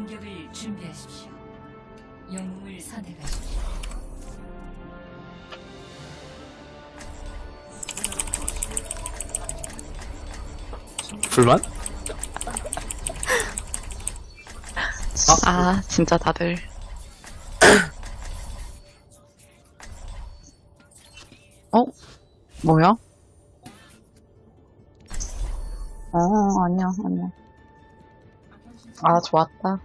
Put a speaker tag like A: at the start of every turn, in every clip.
A: 공격을 준비하십시오. 영웅을 선택하십시오.
B: 불만?
C: 아, 진짜 다들. 어? 뭐야? 아니야, 아니야. 아, 좋았다.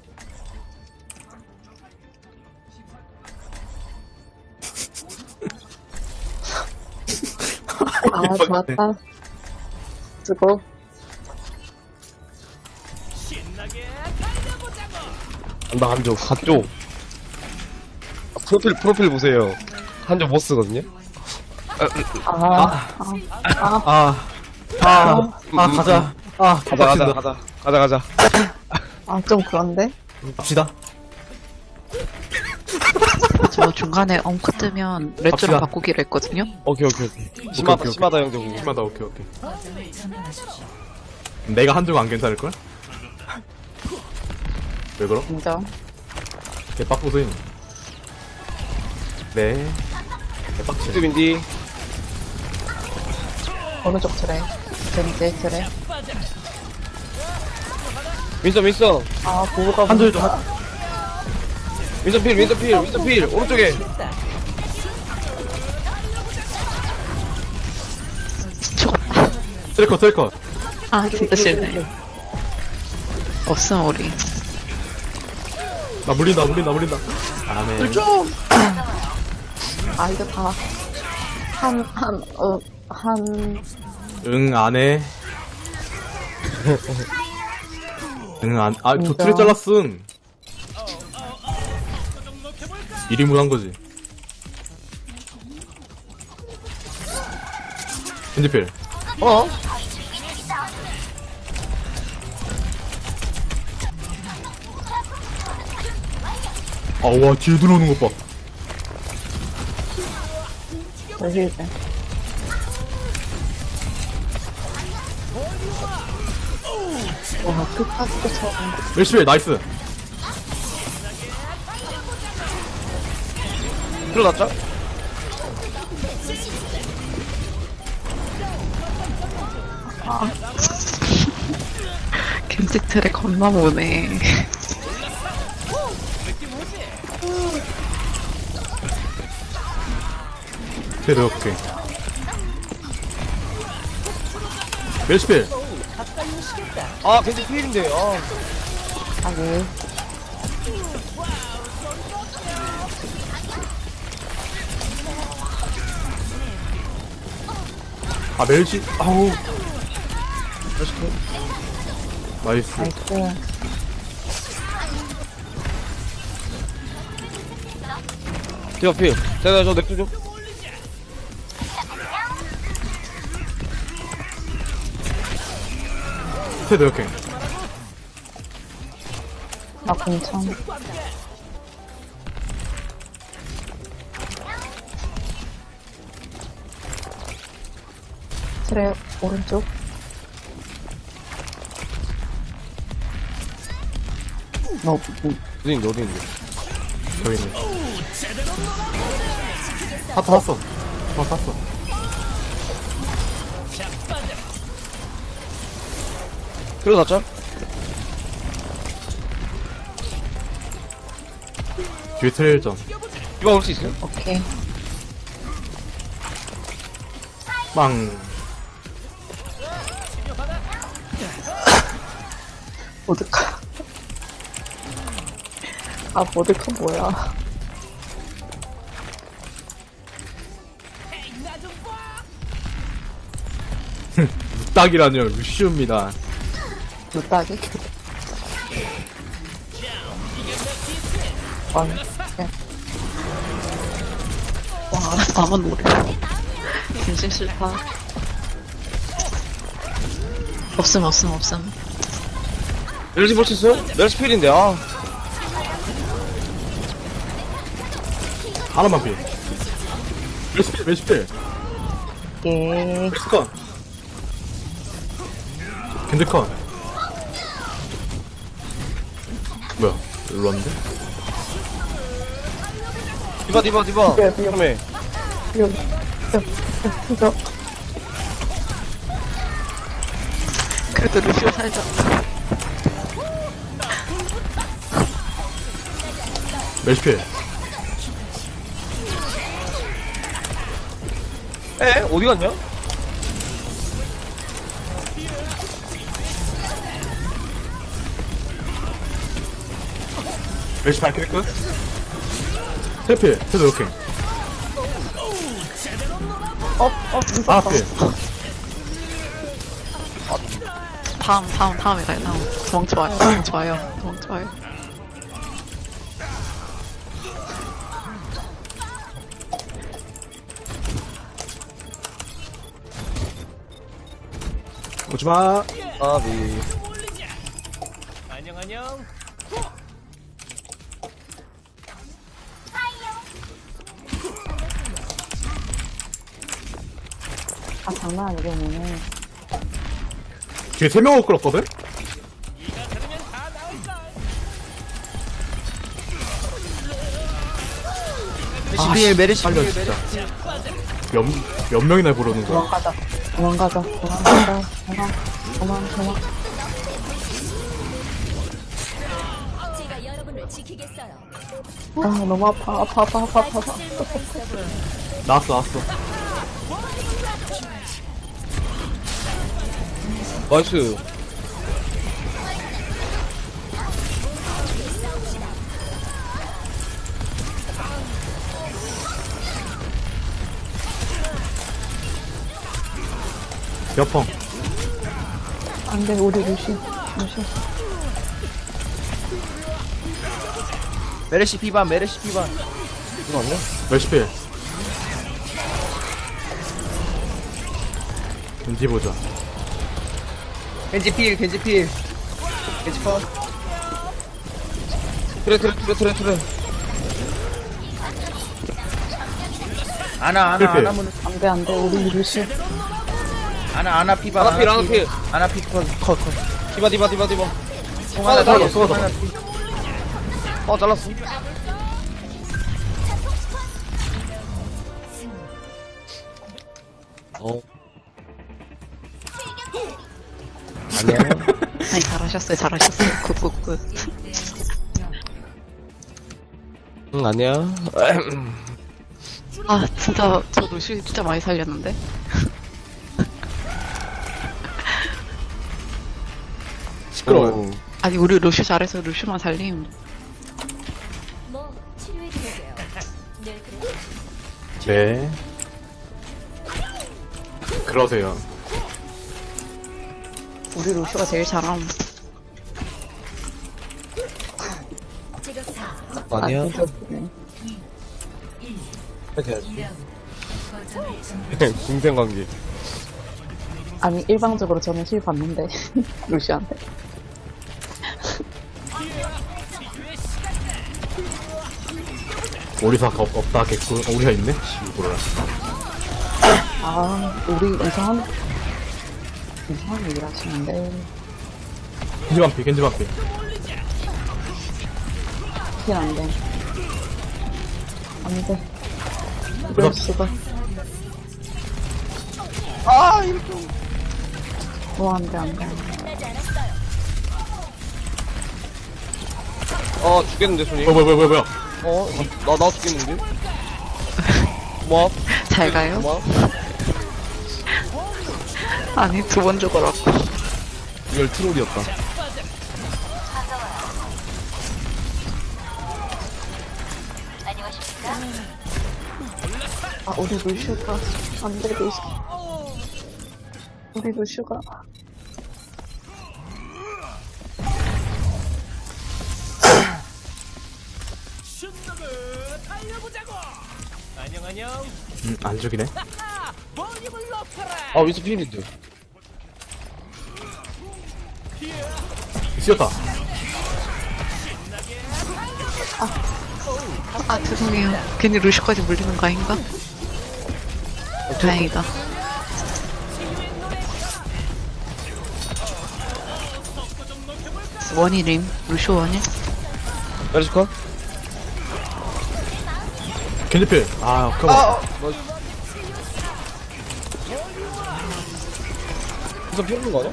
C: 아, 좋았다. 수고.
B: 나 한조 프로필 보세요. 한조 못 쓰거든요.
D: 가자.
B: 가자.
C: 아, 좀 그런데?
D: 갑시다.
C: 저 중간에 엉크 뜨면 레츠로
D: 갑시다.
C: 바꾸기로 했거든요?
B: 오케이. 심하다 형제고.
D: 심하다, 오케이.
A: 거점을 점령하십시오.
D: 내가 한조가 안 괜찮을걸? 왜 그럼?
C: 인정.
D: 개빡보소임. 네. 개빡치.
B: 뚜빈디.
C: 어느 쪽 트레? 젠제 트레?
B: 윈서.
C: 아, 보호가
D: 한조 좀,
B: 윈서 필. 오른쪽에.
C: 죽었다.
D: 트래커.
C: 아, 진짜 싫네. 없음, 우리.
D: 나 물린다. 아멘.
C: 아, 이거 다.
D: 응, 안 해. 저
C: 진짜?
D: 트레 잘랐음. 1인분 한 거지. 핸드필.
B: 어?
D: 아, 와, 뒤에 들어오는 것 봐.
C: 여기 이제. 와, 끝까지 쫓아오는 거.
D: 멜시벨, 나이스.
B: 들어갔죠?
C: 겐지 트레 겁나 보네.
D: 트레 오케이. 멜시벨.
B: 아, 겐지 필인데.
C: 아, 네.
D: 아, 멜시. 아우. 나이스.
C: 나이스.
B: 디어 필. 제가 저 넥주 좀.
D: 트레 오케이.
C: 나 괜찮아. 트레 오른쪽.
B: 어딘데.
D: 저기 있네. 샀어.
B: 들어갔죠?
D: 뒤에 트레일전.
B: 이거 올 수 있어요?
C: 오케이.
D: 빵.
C: 모드카. 아, 모드카 뭐야.
D: 딱이라뇨. 루시우입니다.
C: 루따기? 와, 나만 노래. 진심 싫다. 없음.
B: 멜시 볼 수 있어요? 멜시 필인데,
D: 하나만 필. 멜시필.
C: 예.
D: 멜시컷. 겐드컷. 뭐야? 일로 왔는데?
B: 디바.
C: 네,
B: 그러면
C: 이거. 그래도 루시오 살자.
D: 멜시필.
B: 에? 어디 갔냐?
D: 멜시 발키리 끝. 트래필. 트래도 이렇게. 아, 필.
C: 다음에 가요, 다음. 좋아요.
D: 오지마.
B: 아비.
C: 아, 장난 아니겠네.
D: 뒤에 3명을 끌었거든?
B: 메르시
D: 살려,
B: 필
D: 진짜. 몇 명이나 부르는 거야?
C: 도망가자. 도망.
A: 제가 여러분을 지키겠어요.
C: 아, 너무 아파.
D: 나왔어.
B: 나이스.
D: 여펑.
C: 안 돼, 우리 루시.
B: 메르시 피반. 이거 아니야?
D: 멜시필. 왠지 보자.
B: 겐지 필. 겐지 컷. 트레.
E: 아나
D: 필필.
C: 안 돼, 우리 루시.
E: 아나 피바
B: 아나 필.
E: 아나 피컷
B: 디바.
E: 송하나
B: 잘랐어.
E: 피
B: 잘랐어. 아니야.
C: 아니, 잘하셨어요. 굿.
B: 응, 아니야.
C: 아, 진짜, 저 루시 진짜 많이 살렸는데?
D: 시끄러워요.
C: 아니, 우리 루시 잘해서 루시만 살림.
A: 뭐 치료해드릴게요. 늘 그래.
D: 네. 그러세요.
C: 우리 루시가 제일 잘함.
A: 제가 4,
B: 아니야.
C: 네.
A: 1,
B: 해야지.
A: 2라운드. 거점을 점령.
B: 동생 관계.
C: 아니, 일방적으로 저는 실 받는데, 루시한테.
D: 오리사 없다 개꿀. 오리사 있네? 씨, 몰라.
C: 아, 우리 이상한 얘기를 하시는데,
D: 겐지 반피.
C: 안 돼. 안 돼. 이럴
D: 그래서-
C: 수가.
B: 이렇게.
C: 안 돼.
B: 죽겠는데, 손이.
D: 뭐야.
B: 나 죽겠는데? 뭐?
C: 잘 가요? 아니, 2번 죽어라고.
B: 이걸 트롤이었다.
C: 아, 우리 루슈가. 안 돼, 루슈. 우리 루슈가.
D: 안 죽이네.
B: 위스 필인데.
D: 쓰였다.
C: 아, 죄송해요. 괜히 루슈까지 물리는 거 아닌가? 다행이다. 원이림. 루슈 원일?
B: 메르시 컷.
D: 겐지필. 아,
B: 아,
D: 컴온.
B: 우선 피우는 거 아니야?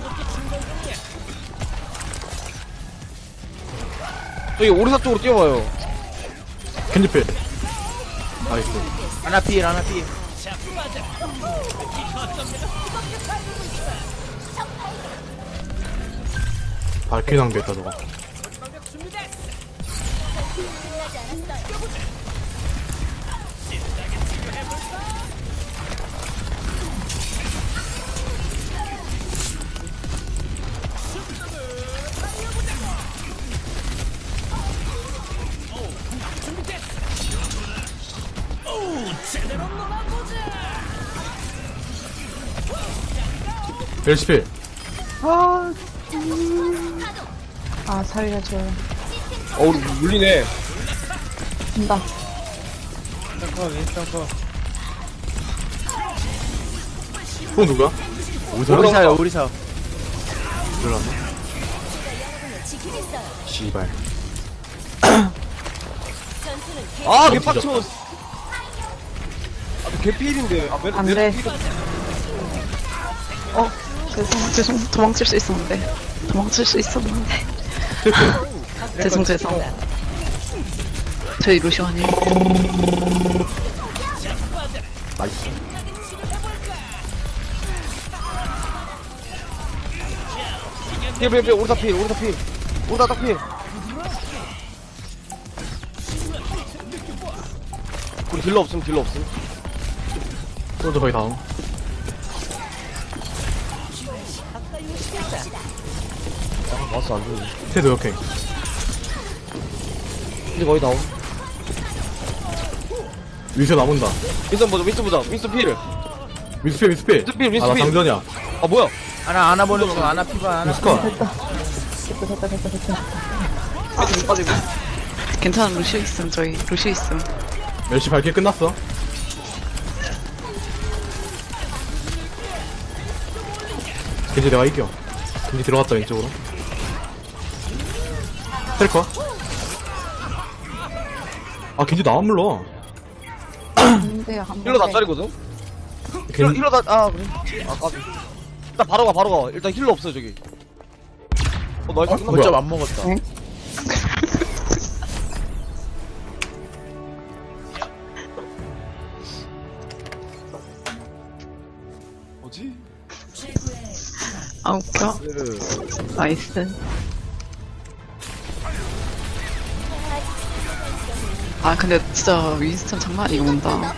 B: 저기 오리사 쪽으로 뛰어와요.
D: 겐지필. 나이스.
E: 아나 필, 아나 필.
D: 발키리 낭비했다, 저거. 멜시필.
C: 아, 살려줘요.
B: 우리 물리네.
C: 된다.
E: 윈스턴 컷, 윈스턴 컷.
D: 또 누구야? 어디서?
E: 오리사요, 오리사.
D: 들어갔나? 씨발.
B: 아, 개빡쳐. 아, 개필인데. 아,
C: 안 돼. 죄송. 도망칠 수 있었는데. 죄송. 저희 루시원이.
D: 나이스.
B: 필, 오리사 필. 오리사 딱 필. 우리 딜러 없음.
D: 소주 거의 다음.
B: 왔어, 안 되네.
D: 테드 역행.
B: 이제 거의 나옴.
D: 위세 남은다.
B: 윈스턴 보자. 윈스턴 필.
D: 미스필.
B: 미스필.
D: 아, 나 장전이야.
B: 아, 뭐야?
E: 아나 보내줘, 아나 피바, 아나 피바.
D: 미스컷.
B: 빠지고.
C: 괜찮은 루시오 있음, 저희. 루시오 있음.
D: 멜시 발키리 끝났어. 겐지 내가 이겨. 겐지 들어갔다, 왼쪽으로. 텔커. 아, 겐지 나안 물러.
B: 힐러 다 짜리거든? 힐러 다, 그래. 아, 까비. 일단 바로 가. 일단 힐러 없어요, 저기. 나이스 끝났다.
D: 뭐야?
E: 거점 안 먹었다.
B: 뭐지?
C: 아, 웃겨. 나이스. 아, 근데 진짜 윈스턴 장난 아니게 온다.